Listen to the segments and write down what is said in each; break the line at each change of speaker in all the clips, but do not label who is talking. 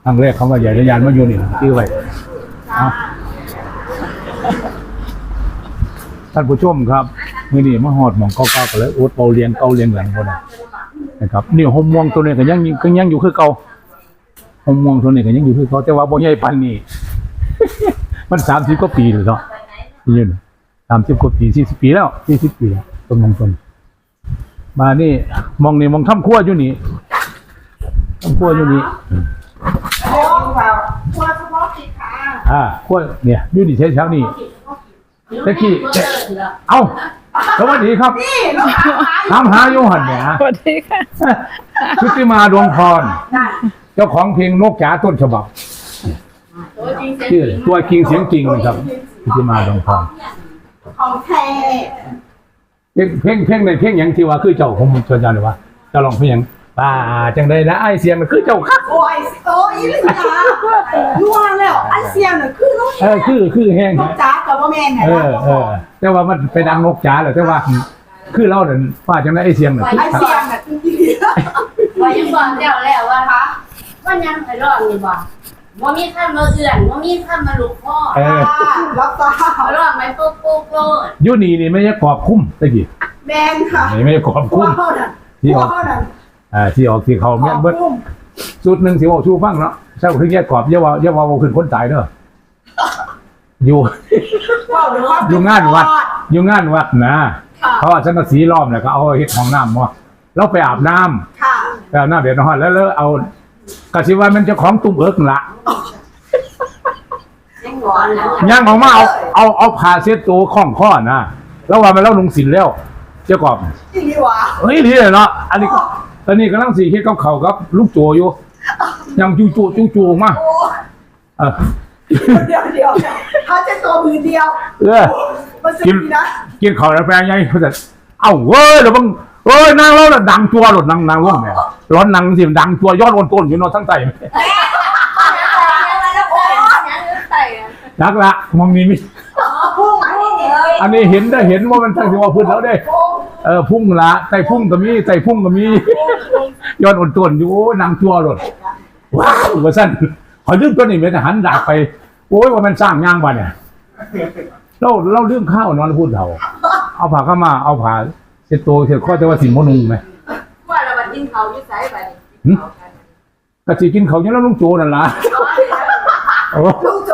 ครั้งแรกเขาว่าใหญ่ระยานมาอยู่นี่ชื่อไว้ท่านผู้ชมครับมื้อนี้มาฮอดหม่องเก่าๆก็เลยโอ๊ตเป่าเลียงเก่าเลียงหลังพุ่นนะครับนี่หมม่วงตัวนี้ก็ยังอยู่คือเก่าหมม่วงตัวนี้ก็ยังอยู่คือเก่าแต่ว่าบ่ใหญ่ปานนี้ มัน30กว่าปีแล้วเนาะนี่30กว่าปี40ปีแล้ว40ปีแล้วต้นมงคลมานี่มองทำครัวอยู่นี่ทำครัวอยู่นี่
ครัวเฉพาะกิจค่ะ
ครัวเนี่ยอยู่นี่เช้านี่ตะกี้เอ้าสวัสดีครับถามหาโยหันเนี่ย
สวัสดีค่ะ
ชุติมาดวงพรเจ้าของเพลงนกจ๋าต้นฉบับชื่อตัวจริงเสียงจริงนะครับชุติมาดวงพร
ของแท้
เพลงในเพลงอย่างที่ว่าคือเจ้าของชวนจันหรือว่าจะลองเพลงป่าจังใดนะไอเสียงมันคือเจ้าครับ
โอ้ยอีหลีนะนัวแล้วไอเสียงน่ะคือน้อง
คือแห้ง
นกจ๋ากับว่าแม่น
เนี่ยแต่ว่ามันเป็นอังนกจ๋าแหละแต่ว่าคือเราเนี่ยว่าจังไดไอเสียงน่ะ
ไอเสียงน่ะคือดี
ว่ายังบอกเจ้าแล้วว่าคะว่ายังไปรอดนี่บ่ว่ามีท่านมาเอื่อนว่ามีท่านมาลุกพ่อ
รับตา
รอดไหมปุ๊บโลด
ยุนี่ไม่ใช่ขอบคุ้มตะกี้
แมนค่ะ
ไม่ใช่ขอบคุ้มที่ออกที่เขาเนี่ยเบิ้ลสุดหนึ่งสิว่าชูฟังเนาะใช่คือแยกกรอบเยาว่าขึ้นคนตายเด้ออยู่งานวัดนะเขาอาจจะกระสีล้อมเนี่ยก็เอาเฮ็ดห้องน้ำมาแล้วไปอาบน้ำไปอาบน้ำเดี๋ยวนอนแล้วเอากระสีว่ามันจะของตุ้มเอิกละย่างออกมาเอาผ้าเช็ดตัวข้องข้อนะแล้วว่ามันเล่าลงสินแล้วเจ้ากอบนี่เนาะอันนี้ตอนนี้กำลังสีเฮ็ดกับเขากับลูกโจอยู่ยังจูมา
เดี๋ยวเขาจะตัวมือเดียว
กินเขาแล้วแปลงไงเขาจะเอ้าเว้ยแล้วมึงนางแล้วดังจัวหลดนางร่วงแม่ร้อนนางสิดังจัวยอดต้นอยู่นอนทั้งใจนักละมองนี้มิอันนี้เห็นว่ามันทั้งที่ว่าพื้นแล้วได้พุ่งละไต่พุ่งก็มียอดอ่อนต้นอยู่นางจัวหลดว้าวว่าสั้นขอลืมตัวนี้เป็นหันดาบไปโอ้ยว่ามันสร้างย่างบ้านเนี่ยเราเรื่องข้าวนอนพูดเอาผ้าเข้ามาเอาผ้าเช็ดตัวเช็ดข้อจะว่าสินมนุงไหม
ว่าเราบัดกินเขาที่ไซส์ไป
กะสิกินเขาเนี่ยแล้วลุงโจนั่นล่ะ
ลุงโจ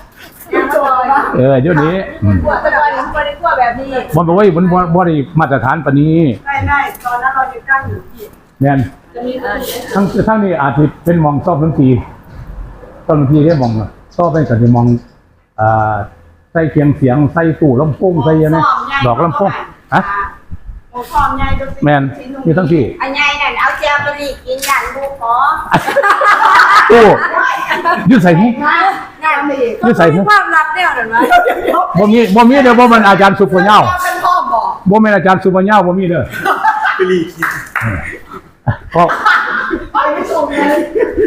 เดี๋ยวนี้
แบบนี้
บอลบอกว่าบอลมาตรฐานปนี้
ไม่ตอนนั้นเราอยู่กั้งอยู่ที่
เนี่ยทั้งนี้อาจจะเป็นมองซอบทั้งทีได้มองซอบเป็นสัญญามองใส่เคียงเสียงใส่ตู้ลำโพงใส่ยังไงดอกลำโพงแมนมีทั้งที่
อันใหญ่นั่นเอาเจียวไปรีกินยันบุกขอ
โอ้ยืดใส่หู
ยืดใส่หูความลับเนี่ยหรือไม่
บ่มีเดี๋ยวบ่มันอาจารย์สุภเน่าบ่เป็นอาจารย์สุภเน่าบ่มีเด้อ
ไปรีกิน
ก็
ไปไม่ชมเลย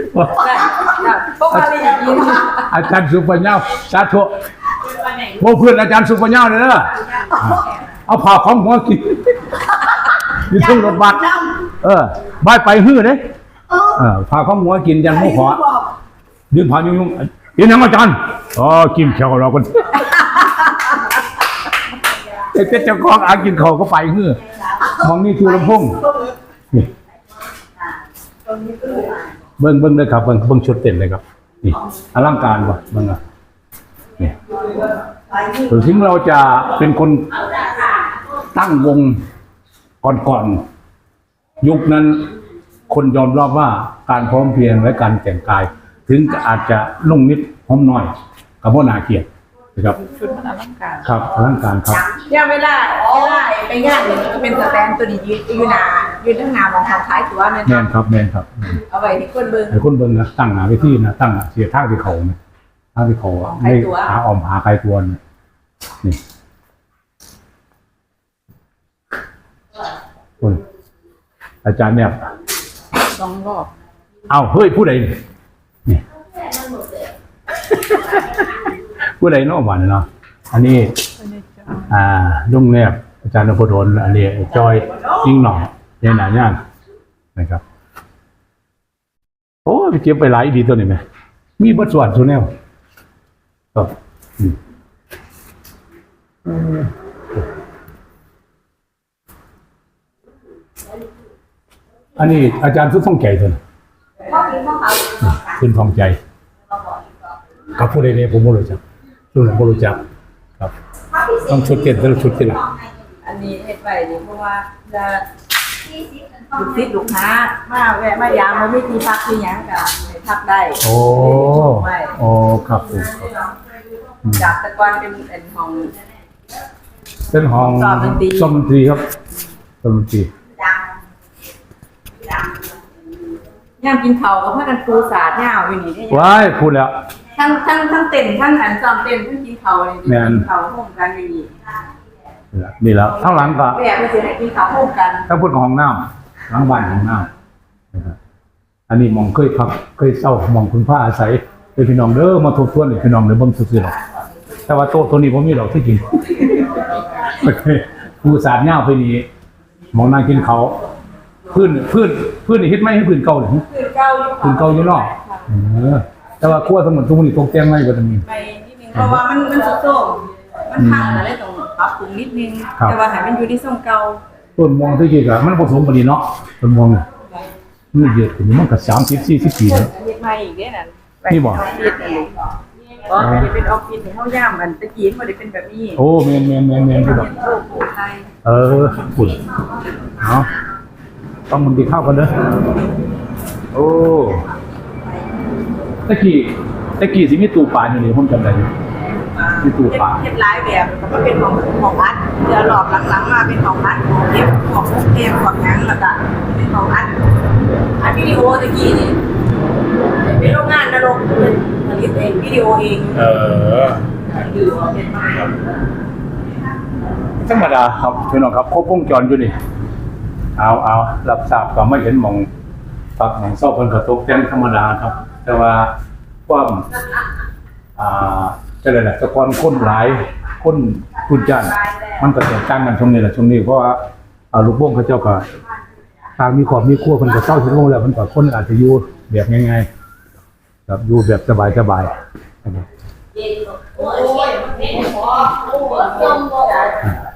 อาจารย์สุภเน่าสาธุบ่เพื่อนอาจารย์สุภเน่าเลยเด้อเอาผ่าของหัวกินอยู่ตรงรถบัสบ้านไปฮื้อเด้ผ่าของหัวกินยันหมูขอยืนผ่ายุ่งเห็นยังอาจารย์กินเขียวเราคนเจ้าของอากินเขาก็ไปฮื้อมองนี่คือลำพงเบิ้งเลยครับเบิ้งชุดเต็มเลยครับนี่อลังการว่ะเบิ้งอ่ะนี่ถึงเราจะเป็นคนตั้งวงก่อนยุคนั้นคนยอมรับว่าการพร้อมเพรียงและการแต่งกายถึงอาจจะนุ่งนิดหอมหน่อยกับพ่อนาเกียรตินะครับ
ชุดมันอลังการ
ครับอลังการครับ
ยังไม่ได้ไปงานอย่างนี้ก็เป็นสแตนตัวนี้ยืนทั้งงานมองทางท้ายถือว่าแม่น
ครับ
เอาไว้ที่คนเบิ้ง
นะตั้งหาไปที่นะตั้งเสียท่าที่เขาเนี่ยท่าที่เขาไม่หาออมหาใครตัวนี่อาจารย์เนี่ย
2 รอบ
เอาเฮ้ยผู้ใดนี่ผู้ใดนอกบ้านเนาะอันนี้ลุงแนบอาจารย์นพดลอันนี้จอยยิ่งหน่อเย็นหนาย่างนะครับโอ้ไปเก็บไปหลายดีตัวนี้ไหมมีบทสวดสุแนวครับอันนี้อาจารย์สุดท่องใจตัวนะขึ้นท่องใจกับผู้ใดเนี่ยผมไม่รู้จักรุ่นผมไม่รู้จักครับต้องชุดเก็บแต่ละชุดที่ละ
อันนี้เฮ็ดไว้นี่เพราะว่าจะลูกศิษย์ลูกค้ามาแวะมายามบ่มีที่พักที่หยังก็ให้พักได้
โอ้โอ้ครับผม
จากแต่ก่อนเป็นห้อง
เป็นห้อง
ซ้อมดนตรี
ซ้อมดนตรีครับซ้อมดนตรี
ย่ามกินข้าวก็พากันปูสาดยาวอยู่นี่ได้
ว้ายพูดแล้ว
ทั้งเต้นทั้งอันซ้อมเต้นทั้งกินข้าวนี่
แม่น
กินข้าวร่วมกันอยู่นี่
นี่แล้วทั้งหลังก็
แม่เพิ่นสิให้กินข้าวร่วมกัน
ถ้าพูดของห้องน้ำหลังบ้านห้องน้ำนะครับอันนี้หมองเคยพักเคยเศร้าหมองคุณพระอาศัยเป็นพี่น้องเด้อมาทบทวนเลยพี่น้องเด้อเบิ่งซื่อๆหรอกแต่ว่าโต๊ะตัวนี้ผมมีดอกที่กินโอเคผู้สาดเหย้าไปนี่หมองนั่งกินเขาวพื้นนี่เฮ็ดไม่ให้พื้นเก่าเลย
คือเก่าอยู่
พื้นเก่าอยู่เนาะแต่ว่าครัวทั้งหมดทุกมื้อนี้ตกแต่งใหม่กว่าตรงนี้
ไปนิดนึงเพราะว่ามันสุดโต่งมันพังอะไรต้องปรับปรุงนิดนึง
ครับ
แต่ว่าให้มันอยู่ในทรงเก่า
ต้นม่วงที่จริงอะมันผสมกันดีเนาะต้นม่วงเนี่ยมันเยอะขึ้นมันก็30-40 ปีแล้ว
เฮ็ดใหม่อีกเด้นั่น
นี่บ่
ออฟฟิศนี่อ๋อไม่ได้เป็นออฟฟิศที่เฮาย่ามอันตะกี้มันบ่ได้เป็นแบบนี้
โอ้แม่นๆๆๆพี่ดอก
โลโก้ไทย
ฝุ่นเอาต้องมันดีเข้ากันเด้อโอ้ตะกี้สิมีตู้ปลาอยู่นี่ผมจำได้อยู่มีตู้ปลา
เฮ็ดหลายแบบแล้วก็เป็นของอัดเดี๋ยวรอบหลังๆมาเป็นของอัดเก็บของพวกเกมของหยังแล้วก็เป็นของอัดวิดีโอตะกี้นี่เป็นโรงงานนรกผลิตเองวิดีโอเอง ดูเป็นมา
ธรรมดาครับพี่น้องครับครบวงจรอยู่นี่เอารับทราบก็ไม่เห็นหมองปักหมองเศร้าเพิ่นก็ตกแต่งธรรมดาครับ แต่ว่าความจะได้แหละแต่ก่อนคนหลายคนคุณจ้านมันก็แตกต่างกันช่วงนี้แหละช่วงนี้เพราะว่าลูกบ้งเขาเจ้าก็ทางมีครอบมีครัวเพิ่นก็เศร้าถึงลงแล้วมันก็คนอาจจะอยู่แบบง่ายๆครับอยู่แบบสบายๆนะครับ
โอ้ยไม่พอโอ้ยจมบ่